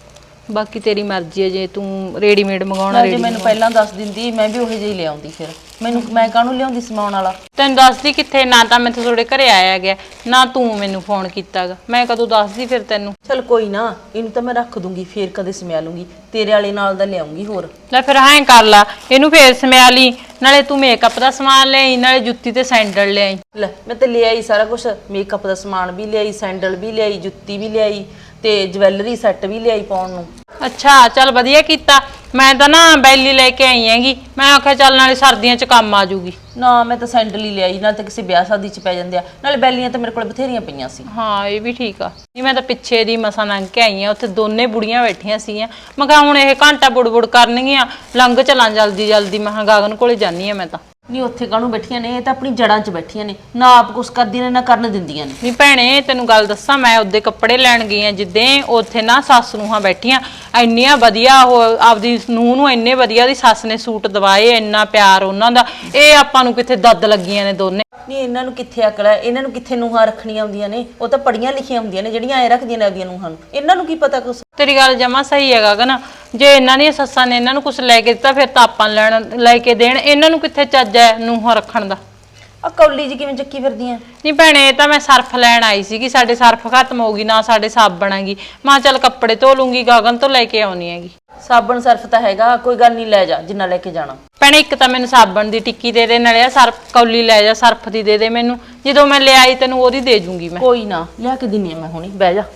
B: ਬਾਕੀ ਤੇਰੀ ਮਰਜ਼ੀ ਹੈ, ਜੇ ਤੂੰ ਰੈਡੀਮੇਡ ਮੰਗਾਉਣਾ
D: ਜੇ
B: ਰੈਡੀ
D: ਮੈਨੂੰ ਪਹਿਲਾਂ ਦੱਸ ਦਿੰਦੀ ਮੈਂ ਵੀ ਉਹੇ ਜਿਹੀ ਲਿਆਉਂਦੀ। ਫਿਰ ਮੈਨੂੰ ਮੈਂ ਕਾਹਨੂੰ ਲਿਆਉਂਦੀ ਸਮਾਉਣ ਵਾਲਾ।
B: ਤੈਨੂੰ ਦੱਸਦੀ ਕਿੱਥੇ, ਨਾ ਤਾਂ ਮੈਂ ਤੁਹਾਡੇ ਘਰੇ ਆਇਆ ਗਿਆ, ਨਾ ਤੂੰ ਮੈਨੂੰ ਫੋਨ ਕੀਤਾਗਾ, ਮੈਂ ਕਦੋਂ ਦੱਸਦੀ ਫਿਰ ਤੈਨੂੰ।
D: ਚਲ ਕੋਈ ਨਾ, ਇਹਨੂੰ ਤਾਂ ਮੈਂ ਰੱਖ ਦੂੰਗੀ, ਫੇਰ ਕਦੇ ਸਮਿਆ ਲੂੰਗੀ। ਤੇਰੇ ਵਾਲੇ ਨਾਲ ਦਾ ਲਿਆਉਂਗੀ ਹੋਰ।
B: ਲੈ ਫਿਰ ਹਾਂ ਕਰ ਲਾ, ਇਹਨੂੰ ਫੇਰ ਸਮਿਆ ਲਈ, ਨਾਲੇ ਤੂੰ ਮੇਕਅਪ ਦਾ ਸਮਾਨ ਲਿਆਈ, ਨਾਲੇ ਜੁੱਤੀ ਤੇ ਸੈਂਡਲ ਲਿਆਈ।
D: ਲੈ ਮੈਂ ਤੇ ਲਿਆਈ ਸਾਰਾ ਕੁਝ, ਮੇਕਅਪ ਦਾ ਸਮਾਨ ਵੀ ਲਿਆਈ, ਸੈਂਡਲ ਵੀ ਲਿਆਈ, ਜੁੱਤੀ ਵੀ ਲਿਆਈ ਤੇ ਜਵੈਲਰੀ ਸੈੱਟ ਵੀ ਲਿਆਈ ਪਾਉਣ ਨੂੰ।
B: ਅੱਛਾ ਚੱਲ ਵਧੀਆ ਕੀਤਾ। ਮੈਂ ਤਾਂ ਨਾ ਬੈਲੀ ਲੈ ਕੇ ਆਈ ਹੈਗੀ, ਮੈਂ ਆਖਿਆ ਚੱਲ ਨਾਲੇ ਸਰਦੀਆਂ 'ਚ ਕੰਮ ਆ ਜੂਗੀ।
D: ਨਾ ਮੈਂ ਤਾਂ ਸੈਂਡਲ ਹੀ ਲਿਆਈ, ਨਾਲ ਤਾਂ ਕਿਸੇ ਵਿਆਹ ਸ਼ਾਦੀ 'ਚ ਪੈ ਜਾਂਦੇ ਆ, ਨਾਲੇ ਬੈਲੀਆਂ ਤਾਂ ਮੇਰੇ ਕੋਲ ਬਥੇਰੀਆਂ ਪਈਆਂ ਸੀ।
B: ਹਾਂ ਇਹ ਵੀ ਠੀਕ ਆ। ਨਹੀਂ ਮੈਂ ਤਾਂ ਪਿੱਛੇ ਦੀ ਮਸਾਂ ਲੰਘ ਕੇ ਆਈ ਆ, ਉੱਥੇ ਦੋਨੇ ਬੁੜੀਆਂ ਬੈਠੀਆਂ ਸੀਗੀਆਂ। ਮੈਂ ਕਿਹਾ ਹੁਣ ਇਹ ਘੰਟਾ ਬੁੜ-ਬੁੜ ਕਰਨਗੀਆਂ, ਲੰਘ ਚਲਾਂ ਜਲਦੀ ਜਲਦੀ। ਮੈਂ ਕਿਹਾ ਗਾਗਨ ਕੋਲੇ ਜਾਨੀ ਆ ਮੈਂ ਤਾਂ।
D: ਨਹੀਂ ਉੱਥੇ ਕਾਹਨੂੰ ਬੈਠੀਆਂ ਨੇ, ਇਹ ਤਾਂ ਆਪਣੀ ਜੜਾਂ 'ਚ ਬੈਠੀਆਂ ਨੇ, ਨਾ ਆਪ ਕੁਛ ਕਰਦੀਆਂ ਨੇ ਨਾ ਕਰਨ ਦਿੰਦੀਆਂ ਨੇ।
B: ਨਹੀਂ ਭੈਣੇ ਤੈਨੂੰ ਗੱਲ ਦੱਸਾਂ, ਮੈਂ ਉਹਦੇ ਕੱਪੜੇ ਲੈਣ ਗਈ ਆ ਜਿੱਦੇ, ਉੱਥੇ ਨਾ ਸੱਸ ਨੂੰਹਾਂ ਬੈਠੀਆਂ, ਇੰਨੀਆਂ ਵਧੀਆ ਉਹ ਆਪਦੀ ਨੂੰਹ ਨੂੰ ਇੰਨੇ ਵਧੀਆ ਦੀ ਸੱਸ ਨੇ ਸੂਟ ਦਵਾਏ, ਇੰਨਾ ਪਿਆਰ ਉਹਨਾਂ ਦਾ। ਇਹ ਆਪਾਂ ਨੂੰ ਕਿੱਥੇ ਦੱਦ ਲੱਗੀਆਂ ਨੇ ਦੋਨੇ।
D: ਨਹੀਂ ਇਹਨਾਂ ਨੂੰ ਕਿੱਥੇ ਅਕਲ ਹੈ, ਇਹਨਾਂ ਨੂੰ ਕਿੱਥੇ ਨੂੰਹਾਂ ਰੱਖਣੀਆਂ ਹੁੰਦੀਆਂ ਨੇ, ਉਹ ਤਾਂ ਪੜੀਆਂ ਲਿਖੀਆਂ ਹੁੰਦੀਆਂ ਨੇ ਜਿਹੜੀਆਂ ਐ ਰੱਖਦੀਆਂ ਨੇ ਆਪਦੀਆਂ ਨੂੰਹਾਂ ਨੂੰ। ਇਹਨਾਂ ਨੂੰ ਕੀ ਪਤਾ ਕੁਛ।
B: ਤੇਰੀ ਗੱਲ ਜਮਾ ਸਹੀ ਹੈਗਾ ਗਾ ਨਾ, ਜੇ ਇਹਨਾਂ ਦੀਆਂ ਸੱਸਾਂ ਨੇ ਇਹਨਾਂ ਨੂੰ ਕੁਝ ਲੈ ਕੇ ਦਿੱਤਾ ਫਿਰ ਤਾਂ ਆਪਾਂ ਲੈਣ ਲੈ ਕੇ ਦੇਣ। ਇਹਨਾਂ ਨੂੰ ਕਿੱਥੇ ਚੱਜ ਹੈ ਨੂੰਹਾਂ ਰੱਖਣ ਦਾ।
D: ਆ ਕੌਲੀ ਜੀ ਕਿਵੇਂ ਚੱਕੀ ਫਿਰਦੀਆਂ?
B: ਨਹੀਂ ਭੈਣੇ ਇਹ ਤਾਂ ਮੈਂ ਸਰਫ ਲੈਣ ਆਈ ਸੀਗੀ, ਸਾਡੇ ਸਰਫ ਖਤਮ ਹੋ ਗਈ, ਨਾ ਸਾਡੇ ਸਾਬਣ ਹੈਗੀ। ਮਾਂ ਚੱਲ ਕੱਪੜੇ ਧੋ ਲੂੰਗੀ, ਗਗਨ ਤੋਂ ਲੈ ਕੇ ਆਉਣੀ ਹੈਗੀ।
D: ਸਾਬਣ ਸਰਫ ਤਾਂ ਹੈਗਾ, ਕੋਈ ਗੱਲ ਨਹੀਂ, ਲੈ ਜਾ ਜਿੰਨਾ ਲੈ ਕੇ ਜਾਣਾ।
B: ਭੈਣੇ ਇੱਕ ਤਾਂ ਮੈਨੂੰ ਸਾਬਣ ਦੀ ਟਿੱਕੀ ਦੇ ਦੇ, ਨਾਲੇ ਸਰਫ ਕੌਲੀ ਲੈ ਜਾ, ਸਰਫ ਦੀ ਦੇ ਦੇ ਮੈਨੂੰ। ਜਦੋਂ ਮੈਂ ਲਿਆਈ ਤੈਨੂੰ ਉਹਦੀ ਦੇ ਜੂੰਗੀ ਮੈਂ।
D: ਕੋਈ ਨਾ ਲਿਆ ਕੇ ਦਿੰਨੀ ਆ ਮੈਂ ਹੁਣੀ, ਬਹਿ ਜਾ।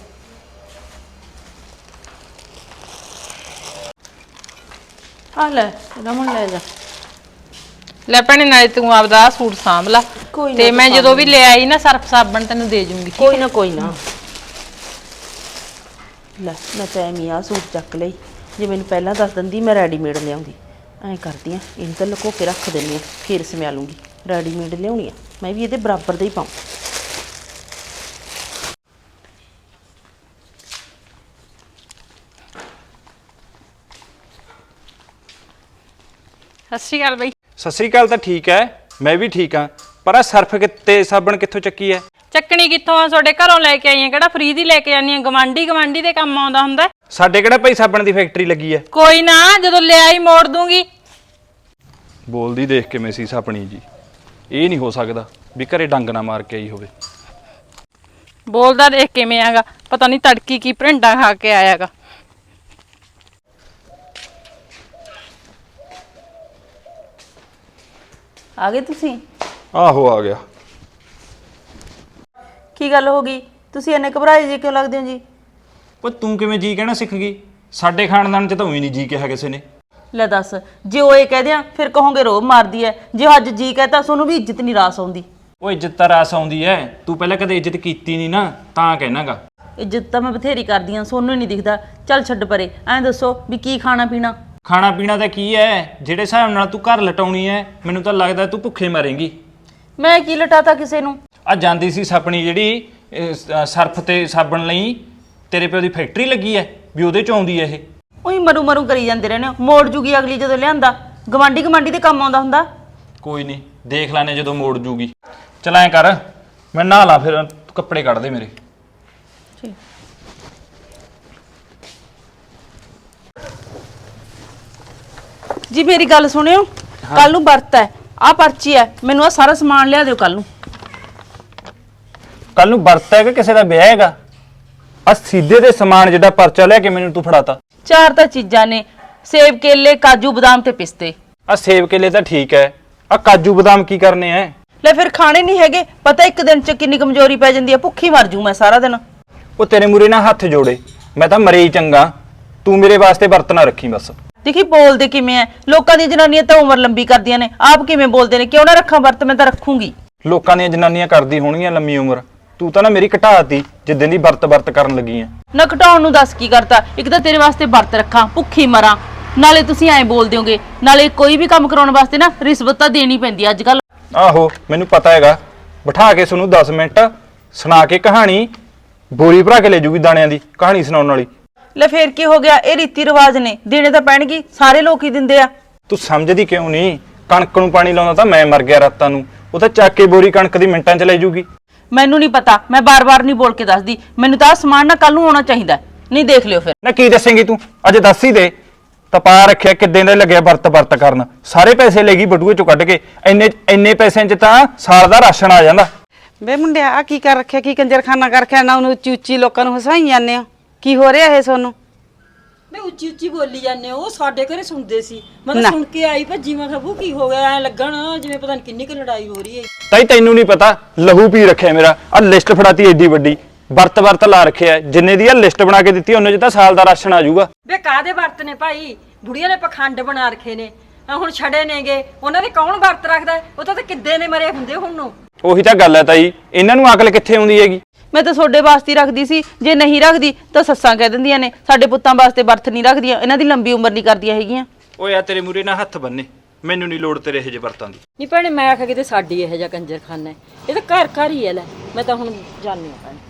D: ਆ ਲੈ ਰਮਨ ਲੈ ਜਾ।
B: ਲੈ ਭੈਣੇ ਨਾਲੇ ਤੂੰ ਆਪਦਾ ਸੂਟ ਸਾਂਭ ਲਾ,
D: ਕੋਈ ਨਾ
B: ਤੇ
D: ਤੂੰ
B: ਮੈਂ
D: ਸਾਂਭ
B: ਜਦੋਂ ਵੀ ਲੈ ਆਈ ਨਾ ਸਰਫ ਸਾਬਣ ਤੈਨੂੰ ਦੇ ਜੂੰਗੀ।
D: ਕੋਈ ਨਾ ਕੋਈ ਨਾ। ਲੈ ਮੈਂ ਤਾਂ ਐਵੇਂ ਆ ਸੂਟ ਚੱਕ ਲਈ, ਜੇ ਮੈਨੂੰ ਪਹਿਲਾਂ ਦੱਸ ਦਿੰਦੀ ਮੈਂ ਰੈਡੀਮੇਡ ਲਿਆਉਂਦੀ। ਐਂ ਕਰਦੀ ਆ, ਇਹਨੂੰ ਤਾਂ ਲੁਕੋ ਕੇ ਰੱਖ ਦਿੰਦੀ ਆ, ਫੇਰ ਸਮਿਆ ਲੂੰਗੀ। ਰੈਡੀਮੇਡ ਲਿਆਉਣੀ ਆ, ਮੈਂ ਵੀ ਇਹਦੇ ਬਰਾਬਰ ਦਾ ਹੀ ਪਾਉਂ।
B: ਸਤਿ ਸ਼੍ਰੀ ਅਕਾਲ ਬਈ।
A: ਸਤਿ ਸ੍ਰੀ ਅਕਾਲ ਤਾਂ ਠੀਕ ਹੈ, ਮੈਂ ਵੀ ਠੀਕ ਹਾਂ, ਪਰ ਆ ਸਰਫ ਕਿੱਤੇ ਸਾਬਣ ਕਿੱਥੋਂ ਚੱਕੀ ਹੈ?
B: ਚੱਕਣੀ ਕਿੱਥੋਂ ਆ, ਤੁਹਾਡੇ ਘਰੋਂ ਲੈ ਕੇ ਆਈ ਆ, ਕਿਹੜਾ ਫ੍ਰੀ ਦੀ ਲੈ ਕੇ ਆਨੀ ਆ? ਗਵਾਂਢੀ ਗਵਾਂਢੀ ਦੇ ਕੰਮ ਆਉਂਦਾ ਹੁੰਦਾ।
A: ਸਾਡੇ ਕਿਹੜਾ ਭਾਈ ਸਾਬਣ ਦੀ ਫੈਕਟਰੀ ਲੱਗੀ ਹੈ?
B: ਕੋਈ ਨਾ ਜਦੋਂ ਲਿਆਈ ਮੋੜ ਦੂੰਗੀ।
A: ਬੋਲਦੀ ਦੇਖ ਕਿਵੇਂ ਸੀ ਸਾਪਣੀ ਜੀ, ਇਹ ਨਹੀਂ ਹੋ ਸਕਦਾ ਵੀ ਘਰੇ ਡੰਗ ਨਾ ਮਾਰ ਕੇ ਆਈ ਹੋਵੇ।
B: ਬੋਲਦਾ ਦੇਖ ਕਿਵੇਂ ਆਗਾ, ਪਤਾ ਨਹੀਂ ਤੜਕੀ ਕੀ ਭਰਿੰਡਾ ਖਾ ਕੇ ਆਇਆਗਾ।
D: ਆ ਗਏ ਤੁਸੀਂ?
A: ਆਹੋ ਆ ਗਿਆ।
D: ਕੀ ਗੱਲ ਹੋ ਗਈ, ਤੁਸੀਂ ਇੰਨੇ ਘਬਰਾਏ ਜੀ ਕਿਉਂ ਲੱਗਦੇ ਹੋ ਜੀ?
A: ਉਹ ਤੂੰ ਕਿਵੇਂ ਜੀ ਕਹਿਣਾ ਸਿੱਖ ਗਈ? ਸਾਡੇ ਖਾਨਦਾਨ ਚ ਤਾਂ ਉਹੀ ਨਹੀਂ ਜੀ ਕਿਹਾ ਕਿਸੇ ਨੇ।
D: ਲੈ ਦੱਸ, ਜੇ ਉਹ ਇਹ ਕਹਦੇ ਆ ਫਿਰ ਕਹੋਗੇ ਰੋਬ ਮਾਰਦੀ ਐ, ਜੇ ਅੱਜ ਜੀ ਕਹਤਾ ਤੁਹਾਨੂੰ ਵੀ ਇੱਜ਼ਤ ਨਹੀਂ ਰਾਸ ਆਉਂਦੀ।
A: ਉਹ ਇੱਜ਼ਤ ਤਾਂ ਰਾਸ ਆਉਂਦੀ ਐ, ਤੂੰ ਪਹਿਲਾਂ ਕਦੇ ਇੱਜ਼ਤ ਕੀਤੀ ਨਹੀਂ ਨਾ, ਤਾਂ ਕਹਿਣਾਗਾ।
D: ਇੱਜ਼ਤ ਤਾਂ ਮੈਂ ਬਥੇਰੀ ਕਰਦੀ ਆ, ਸੋਨੂੰ ਹੀ ਨਹੀਂ ਦਿਖਦਾ। ਚੱਲ ਛੱਡ ਪਰੇ, ਐਂ ਦੱਸੋ ਵੀ ਕੀ ਖਾਣਾ ਪੀਣਾ?
A: ਖਾਣਾ ਪੀਣਾ ਤਾਂ ਕੀ ਐ, ਜਿਹੜੇ ਹਿਸਾਬ ਨਾਲ ਤੂੰ ਘਰ ਲਟਾਉਣੀ ਐ, ਮੈਨੂੰ ਤਾਂ ਲੱਗਦਾ ਤੂੰ ਭੁੱਖੇ ਮਰੇਂਗੀ।
D: ਮੈਂ ਕੀ ਲਟਾਤਾ ਕਿਸੇ ਨੂੰ?
A: ਆ ਜਾਂਦੀ ਸੀ ਸਾਪਣੀ ਜਿਹੜੀ ਅਹ, ਸ- ਸਰਫ ਤੇ ਸਾਬਣ ਲਈ, ਤੇਰੇ ਪਿਓ ਦੀ ਫੈਕਟਰੀ ਲੱਗੀ ਐ ਵੀ ਉਹਦੇ ਚ ਆਉਂਦੀ ਐ ਇਹ।
D: ਉਹੀ ਮਰੂ ਮਰੂ ਕਰੀ ਜਾਂਦੇ ਰਹਿੰਦੇ ਹੋ, ਮੋੜ ਜੂਗੀ ਅਗਲੀ ਜਦੋਂ ਲਿਆਂਦਾ। ਗਵਾਂਢੀ ਗਵਾਂਢੀ ਦੇ ਕੰਮ ਆਉਂਦਾ ਹੁੰਦਾ।
A: ਕੋਈ ਨਹੀਂ, ਦੇਖ ਲੈਣੇ ਜਦੋਂ ਮੋੜ ਜੂਗੀ। ਚਲ ਐਂ ਕਰ, ਮੈਂ ਨਹਾ ਲਾ ਫਿਰ, ਤੂੰ ਕੱਪੜੇ ਕੱਢ ਦੇ ਮੇਰੇ।
D: ਜੀ ਮੇਰੀ ਗੱਲ ਸੁਣਿਓ, ਕੱਲ ਨੂੰ ਵਰਤ ਹੈ, ਆਹ ਪਰਚੀ ਹੈ, ਮੈਨੂੰ ਆ ਸਾਰਾ ਸਮਾਨ ਲਿਆ ਦਿਓ ਕੱਲ ਨੂੰ।
A: ਕੱਲ ਨੂੰ ਵਰਤ ਹੈ ਕਿ ਕਿਸੇ ਦਾ ਵਿਆਹ ਹੈਗਾ? ਆ ਸਿੱਧੇ ਦੇ ਸਮਾਨ ਜਿਹੜਾ ਪਰਚਾ ਲੈ ਕੇ ਮੈਨੂੰ ਤੂੰ ਫੜਾਤਾ।
D: ਚਾਰ ਤਾਂ ਚੀਜ਼ਾਂ ਨੇ, ਸੇਬ ਕੇਲੇ ਕਾਜੂ ਬਦਾਮ ਤੇ ਪਿਸਤੇ।
A: ਆ ਸੇਬ ਕੇਲੇ ਤਾਂ ਠੀਕ ਹੈ, ਆ ਕਾਜੂ ਬਦਾਮ ਕੀ ਕਰਨੇ ਐ?
D: ਲੈ ਫਿਰ ਖਾਣੇ ਨਹੀਂ ਹੈਗੇ? ਪਤਾ ਇੱਕ ਦਿਨ ਚ ਕਿੰਨੀ ਕਮਜ਼ੋਰੀ ਪੈ ਜਾਂਦੀ ਹੈ, ਭੁੱਖੀ ਮਰ ਜੂ ਮੈਂ ਸਾਰਾ ਦਿਨ।
A: ਉਹ ਤੇਰੇ ਮੂਰੇ ਨਾਲ ਹੱਥ ਜੋੜੇ, ਮੈਂ ਤਾਂ ਮਰੇ ਹੀ ਚੰਗਾ, ਤੂੰ ਮੇਰੇ ਵਾਸਤੇ ਵਰਤ ਨਾ ਰੱਖੀ ਬਸ।
D: ਦੇਖੀ ਬੋਲਦੇ ਕਿਵੇਂ ਐ, ਲੋਕਾਂ ਦੀਆਂ ਜਨਾਨੀਆਂ ਤਾਂ ਉਮਰ ਲੰਬੀ ਕਰਦੀਆਂ ਨੇ, ਆਪ ਕਿਵੇਂ ਬੋਲਦੇ ਨੇ? ਕਿਉਂ ਨਾ ਰੱਖਾਂ ਵਰਤ? ਮੈਂ ਤਾਂ ਰੱਖੂੰਗੀ।
A: ਲੋਕਾਂ ਦੀਆਂ ਜਨਾਨੀਆਂ ਕਰਦੀ ਹੋਣਗੀਆਂ ਲੰਮੀ ਉਮਰ, ਤੂੰ ਤਾਂ ਨਾ ਮੇਰੀ ਘਟਾਤੀ ਜਿੱਦਾਂ ਦੀ ਵਰਤ ਵਰਤ ਕਰਨ ਲੱਗੀ ਐ।
D: ਨਾ ਘਟਾਉਣ ਨੂੰ ਦੱਸ ਕੀ ਕਰਤਾ? ਇੱਕ ਤਾਂ ਤੇਰੇ ਵਾਸਤੇ ਵਰਤ ਰੱਖਾਂ, ਭੁੱਖੀ ਮਰਾਂ, ਨਾਲੇ ਤੁਸੀਂ ਐਂ ਬੋਲਦੇ ਹੋਗੇ, ਨਾਲੇ ਕੋਈ ਵੀ ਕੰਮ ਕਰਾਉਣ ਵਾਸਤੇ ਨਾ ਰਿਸ਼ਵਤ ਤਾਂ ਦੇਣੀ ਪੈਂਦੀ ਅੱਜ ਕੱਲ।
A: ਆਹੋ ਮੈਨੂੰ ਪਤਾ ਹੈਗਾ, ਬਿਠਾ ਕੇ ਤੁਹਾਨੂੰ ਦਸ ਮਿੰਟ ਸੁਣਾ ਕੇ ਕਹਾਣੀ, ਬੋਰੀ ਭਰਾ ਕੇ ਲੈ ਜੂਗੀ ਦਾਣਿਆਂ ਦੀ ਕਹਾਣੀ ਸੁਣਾਉਣ ਵਾਲੀ।
D: ਲੈ ਫੇਰ ਕੀ ਹੋ ਗਿਆ, ਇਹ ਰੀਤੀ ਰਿਵਾਜ ਨੇ, ਦੇਣੇ ਤਾਂ ਪੈਣਗੇ, ਸਾਰੇ ਲੋਕ ਹੀ ਦਿੰਦੇ ਆ।
A: ਤੂੰ ਸਮਝਦੀ ਕਿਉਂ ਨਹੀਂ? ਕਣਕ ਨੂੰ ਪਾਣੀ ਲਾਉਂਦਾ ਤਾਂ ਮੈਂ ਮਰ ਗਿਆ ਰਾਤਾਂ ਨੂੰ, ਉਹ ਤਾਂ ਚੱਕ ਕੇ ਬੋਰੀ ਕਣਕ ਦੀ ਮਿੰਟਾਂ 'ਚ ਲੈ ਜੂਗੀ।
D: ਮੈਨੂੰ ਨਹੀਂ ਪਤਾ, ਮੈਂ ਬਾਰ-ਬਾਰ ਨਹੀਂ ਬੋਲ ਕੇ ਦੱਸਦੀ, ਮੈਨੂੰ ਤਾਂ ਆਹ ਸਮਾਨ ਨਾ ਕੱਲ ਨੂੰ ਆਉਣਾ ਚਾਹੀਦਾ, ਨਹੀਂ ਦੇਖ ਲਿਓ ਫਿਰ।
A: ਨਾ ਕੀ ਦੱਸੇਂਗੀ ਤੂੰ? ਅਜੇ ਦੱਸ ਹੀ ਦੇ। ਤਪਾ ਰੱਖਿਆ ਕਿੱਦਾਂ ਦੇ ਲੱਗਿਆ ਵਰਤ ਵਰਤ ਕਰਨ, ਸਾਰੇ ਪੈਸੇ ਲੈ ਗਈ ਬਟੂਏ ਚੋਂ ਕੱਢ ਕੇ। ਇੰਨੇ ਇੰਨੇ ਪੈਸਿਆਂ 'ਚ ਤਾਂ ਸਾਲ ਦਾ ਰਾਸ਼ਨ ਆ ਜਾਂਦਾ।
C: ਵੇ ਮੁੰਡਿਆ ਆ ਕੀ ਕਰ ਰੱਖਿਆ, ਕੀ ਕੰਜਰਖਾਨਾ ਕਰ ਰੱਖਿਆ ਨਾ? ਉਹਨੂੰ ਉੱਚੀ ਉੱਚੀ ਲੋਕਾਂ ਨੂੰ ਹਸਾਈ ਜਾਂਦੇ ਹੋ, ਕੀ ਹੋ ਰਿਹਾ ਇਹ ਤੁਹਾਨੂੰ?
E: ਮੈਂ ਉੱਚੀ ਉੱਚੀ ਬੋਲੀ ਜਾਂਦੇ ਉਹ ਸਾਡੇ ਘਰੇ ਸੁਣਦੇ ਸੀ। ਮੈਂ
C: ਨਾ।
E: ਤਾਂ ਸੁਣ ਕੇ ਆਈ ਭੱਜੀ, ਮੈਂ ਕਿਹਾ ਬੂ ਕੀ ਹੋ ਗਿਆ, ਐ ਲੱਗਣ ਜਿਵੇਂ ਪਤਾ ਨਹੀਂ ਕਿੰਨੀ ਕੁ ਲੜਾਈ ਹੋ ਰਹੀ ਹੈ।
A: ਤਾਈ ਤੈਨੂੰ ਨਹੀਂ ਪਤਾ, ਲਹੂ ਪੀ ਰੱਖਿਆ ਮੇਰਾ। ਆ ਲਿਸਟ ਫੜਾਤੀ ਏਡੀ ਵੱਡੀ, ਵਰਤ ਵਰਤ ਲਾ ਰੱਖਿਆ। ਜਿੰਨੇ ਦੀ ਆ ਲਿਸਟ ਬਣਾ ਕੇ ਦਿੱਤੀ ਉਹਨੇ 'ਚ ਤਾਂ ਸਾਲ ਦਾ ਰਾਸ਼ਨ ਆ ਜਾਊਗਾ।
E: ਵੇ ਕਾਹਦੇ ਵਰਤ ਨੇ ਭਾਈ, ਬੁੜੀਆਂ ਨੇ ਪਖੰਡ ਬਣਾ ਰੱਖੇ ਨੇ। ਆ ਹੁਣ ਛੜੇ ਨੇਗੇ, ਉਹਨਾਂ ਦੇ ਕੌਣ ਵਰਤ ਰੱਖਦਾ? ਉਹ ਤਾਂ ਕਿੱਦੇ ਨੇ ਮਰੇ ਹੁੰਦੇ ਹੁਣ ਨੂੰ।
A: ਉਹੀ ਤਾਂ ਗੱਲ ਹੈ ਤਾਈ, ਇਹਨਾਂ ਨੂੰ ਅਕਲ ਕਿੱਥੇ ਆਉਂਦੀ ਹੈਗੀ?
D: ਮੈਂ ਤਾਂ ਤੁਹਾਡੇ ਵਾਸਤੇ ਹੀ ਰੱਖਦੀ ਸੀ, ਜੇ ਨਹੀਂ ਰੱਖਦੀ ਤਾਂ ਸੱਸਾਂ ਕਹਿ ਦਿੰਦੀਆਂ ਨੇ ਸਾਡੇ ਪੁੱਤਾਂ ਵਾਸਤੇ ਵਰਤ ਨਹੀਂ ਰੱਖਦੀਆਂ, ਇਹਨਾਂ ਦੀ ਲੰਬੀ ਉਮਰ ਨਹੀਂ ਕਰਦੀਆਂ ਹੈਗੀਆਂ।
A: ਓਏ ਆ ਤੇਰੇ ਮੂਰੇ ਨਾਲ ਹੱਥ ਬੰਨੇ, ਮੈਨੂੰ ਨਹੀਂ ਲੋੜ ਤੇਰੇ ਇਹੋ ਜਿਹੇ ਵਰਤਾਂ ਦੀ।
E: ਨਹੀਂ ਭੈਣੇ ਮੈਂ ਆਖਿਆ ਕਿਤੇ ਸਾਡੀ ਇਹੋ ਜਿਹਾ ਕੰਜਰਖਾਨਾ ਹੈ, ਇਹ ਤਾਂ ਘਰ ਘਰ ਹੀ ਹੈ। ਲੈ ਮੈਂ ਤਾਂ ਹੁਣ ਜਾਣੀ ਆ ਭੈਣੇ।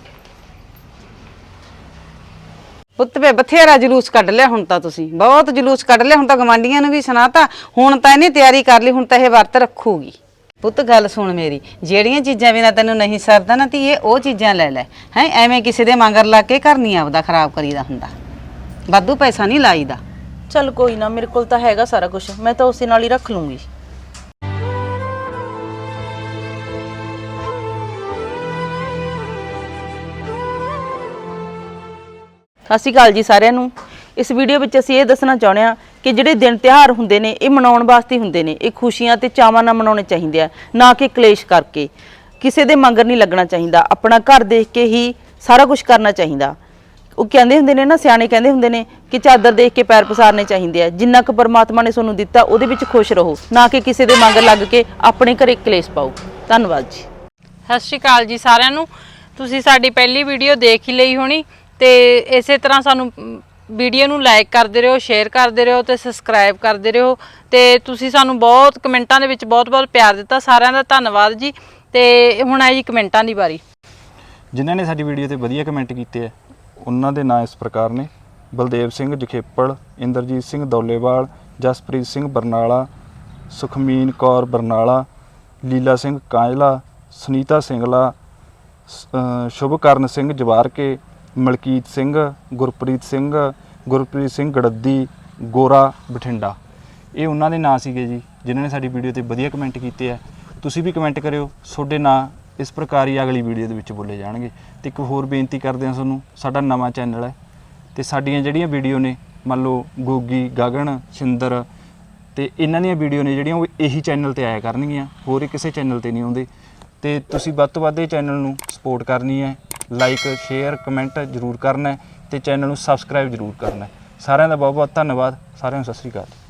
C: ਪੁੱਤ ਵੇ ਬਥੇਰਾ ਜਲੂਸ ਕੱਢ ਲਿਆ ਹੁਣ ਤਾਂ, ਤੁਸੀਂ ਬਹੁਤ ਜਲੂਸ ਕੱਢ ਲਿਆ ਹੁਣ ਤਾਂ। ਗਵਾਂਢੀਆਂ ਨੂੰ ਵੀ ਸੁਣਾਤਾ, ਹੁਣ ਤਾਂ ਇਹਨੇ ਤਿਆਰੀ ਕਰ ਲਈ, ਹੁਣ ਤਾਂ ਇਹ ਵਰਤ ਰੱਖੂਗੀ। ਪੁੱਤ ਗੱਲ ਸੁਣ ਮੇਰੀ, ਜਿਹੜੀਆਂ ਚੀਜ਼ਾਂ ਬਿਨਾਂ ਤੈਨੂੰ ਨਹੀਂ ਸਰਦਾ ਨਾ ਧੀਏ, ਉਹ ਚੀਜ਼ਾਂ ਲੈ ਲੈ ਹੈ। ਐਵੇਂ ਕਿਸੇ ਦੇ ਮੰਗਰ ਲਾ ਕੇ ਘਰ ਨਹੀਂ ਆਪਦਾ ਖਰਾਬ ਕਰੀਦਾ ਹੁੰਦਾ, ਵਾਧੂ ਪੈਸਾ ਨਹੀਂ ਲਾਈਦਾ।
D: ਚੱਲ ਕੋਈ ਨਾ, ਮੇਰੇ ਕੋਲ ਤਾਂ ਹੈਗਾ ਸਾਰਾ ਕੁਝ, ਮੈਂ ਤਾਂ ਉਸੇ ਨਾਲ ਹੀ ਰੱਖ ਲੂੰਗੀ। ਸਤਿ ਸ਼੍ਰੀ ਅਕਾਲ ਜੀ ਸਾਰਿਆਂ ਨੂੰ। ਇਸ ਵੀਡੀਓ ਵਿੱਚ ਅਸੀਂ ਇਹ ਦੱਸਣਾ ਚਾਹੁੰਦੇ ਹਾਂ ਕਿ ਜਿਹੜੇ ਦਿਨ ਤਿਉਹਾਰ ਹੁੰਦੇ ਨੇ ਇਹ ਮਨਾਉਣ ਵਾਸਤੇ ਹੁੰਦੇ ਨੇ। ਇਹ ਖੁਸ਼ੀਆਂ ਤੇ ਚਾਵਾਂ ਨਾਲ ਮਨਾਉਣੇ ਚਾਹੀਦੇ ਆ, ਨਾ ਕਿ ਕਲੇਸ਼ ਕਰਕੇ। ਕਿਸੇ ਦੇ ਮੰਗਰ ਨਹੀਂ ਲੱਗਣਾ ਚਾਹੀਦਾ, ਆਪਣਾ ਘਰ ਦੇਖ ਕੇ ਹੀ ਸਾਰਾ ਕੁਝ ਕਰਨਾ ਚਾਹੀਦਾ। ਉਹ ਕਹਿੰਦੇ ਹੁੰਦੇ ਨੇ ਨਾ, ਸਿਆਣੇ ਕਹਿੰਦੇ ਹੁੰਦੇ ਨੇ ਕਿ ਚਾਦਰ ਦੇਖ ਕੇ ਪੈਰ ਪਸਾਰਨੇ ਚਾਹੀਦੇ ਆ। ਜਿੰਨਾ ਕੁ ਪਰਮਾਤਮਾ ਨੇ ਤੁਹਾਨੂੰ ਦਿੱਤਾ ਉਹਦੇ ਵਿੱਚ ਖੁਸ਼ ਰਹੋ, ਨਾ ਕਿ ਕਿਸੇ ਦੇ ਮੰਗਰ ਲੱਗ ਕੇ ਆਪਣੇ ਘਰੇ ਕਲੇਸ਼ ਪਾਓ। ਧੰਨਵਾਦ ਜੀ।
B: ਸਤਿ ਸ਼੍ਰੀ ਅਕਾਲ ਜੀ ਸਾਰਿਆਂ ਨੂੰ। ਤੁਸੀਂ ਸਾਡੀ ਪਹਿਲੀ ਵੀਡੀਓ ਦੇਖ ਹੀ ਲਈ ਹੋਣੀ ਤੇ ਇਸੇ ਤਰ੍ਹਾਂ ਸਾਨੂੰ ਵੀਡੀਓ ਨੂੰ ਲਾਈਕ ਕਰਦੇ ਰਹੋ, ਸ਼ੇਅਰ ਕਰਦੇ ਰਹੋ ਤੇ ਸਬਸਕ੍ਰਾਈਬ ਕਰਦੇ ਰਹੋ। ਤੇ ਤੁਸੀਂ ਸਾਨੂੰ ਬਹੁਤ ਕਮੈਂਟਾਂ ਦੇ ਵਿੱਚ ਬਹੁਤ ਬਹੁਤ ਪਿਆਰ ਦਿੱਤਾ, ਸਾਰਿਆਂ ਦਾ ਧੰਨਵਾਦ ਜੀ। ਤੇ ਹੁਣ ਆਈ ਜੀ ਕਮੈਂਟਾਂ ਦੀ ਵਾਰੀ।
A: ਜਿਨ੍ਹਾਂ ਨੇ ਸਾਡੀ ਵੀਡੀਓ ਤੇ ਵਧੀਆ ਕਮੈਂਟ ਕੀਤੇ ਆ ਉਹਨਾਂ ਦੇ ਨਾਂ ਇਸ ਪ੍ਰਕਾਰ ਨੇ: ਬਲਦੇਵ ਸਿੰਘ ਜਖੇਪਲ, ਇੰਦਰਜੀਤ ਸਿੰਘ ਦੌਲੇਵਾਲ, ਜਸਪ੍ਰੀਤ ਸਿੰਘ ਬਰਨਾਲਾ, ਸੁਖਮੀਨ ਕੌਰ ਬਰਨਾਲਾ, ਲੀਲਾ ਸਿੰਘ ਕਾਂਝਲਾ, ਸੁਨੀਤਾ ਸਿੰਗਲਾ, ਸ਼ੁਭਕਰਨ ਸਿੰਘ ਜਵਾਰਕੇ, ਮਲਕੀਤ ਸਿੰਘ, ਗੁਰਪ੍ਰੀਤ ਸਿੰਘ, ਗੁਰਪ੍ਰੀਤ ਸਿੰਘ ਗੜੱਦੀ, ਗੋਰਾ ਬਠਿੰਡਾ। ਇਹ ਉਹਨਾਂ ਦੇ ਨਾਂ ਸੀਗੇ ਜੀ ਜਿਨ੍ਹਾਂ ਨੇ ਸਾਡੀ ਵੀਡੀਓ ਤੇ ਵਧੀਆ ਕਮੈਂਟ ਕੀਤੇ ਆ। ਤੁਸੀਂ ਵੀ ਕਮੈਂਟ ਕਰਿਓ, ਤੁਹਾਡੇ ਨਾਂ ਇਸ ਪ੍ਰਕਾਰ ਹੀ ਅਗਲੀ ਵੀਡੀਓ ਦੇ ਵਿੱਚ ਬੋਲੇ ਜਾਣਗੇ। ਤੇ ਇੱਕ ਹੋਰ ਬੇਨਤੀ ਕਰਦੇ ਹਾਂ ਤੁਹਾਨੂੰ, ਸਾਡਾ ਨਵਾਂ ਚੈਨਲ ਹੈ ਤੇ ਸਾਡੀਆਂ ਜਿਹੜੀਆਂ ਵੀਡੀਓ ਨੇ, ਮੰਨ ਲਓ ਗੋਗੀ, ਗਗਨ, ਸਿੰਦਰ ਤੇ ਇਹਨਾਂ ਦੀਆਂ ਵੀਡੀਓ ਨੇ ਜਿਹੜੀਆਂ ਉਹ ਇਹੀ ਚੈਨਲ ਤੇ ਆਇਆ ਕਰਨਗੀਆਂ, ਹੋਰ ਕਿਸੇ ਚੈਨਲ ਤੇ ਨਹੀਂ ਆਉਂਦੇ। ਤੇ ਤੁਸੀਂ ਵੱਧ ਤੋਂ ਵੱਧ ਇਹ ਚੈਨਲ ਨੂੰ ਸਪੋਰਟ ਕਰਨੀ ਹੈ, ਲਾਈਕ ਸ਼ੇਅਰ ਕਮੈਂਟ ਜ਼ਰੂਰ ਕਰਨਾ ਹੈ ਤੇ ਚੈਨਲ ਨੂੰ ਸਬਸਕ੍ਰਾਈਬ ਜ਼ਰੂਰ ਕਰਨਾ ਹੈ। ਸਾਰਿਆਂ ਦਾ ਬਹੁਤ ਬਹੁਤ ਧੰਨਵਾਦ। ਸਾਰਿਆਂ ਨੂੰ ਸਤਿ ਸ਼੍ਰੀ ਅਕਾਲ।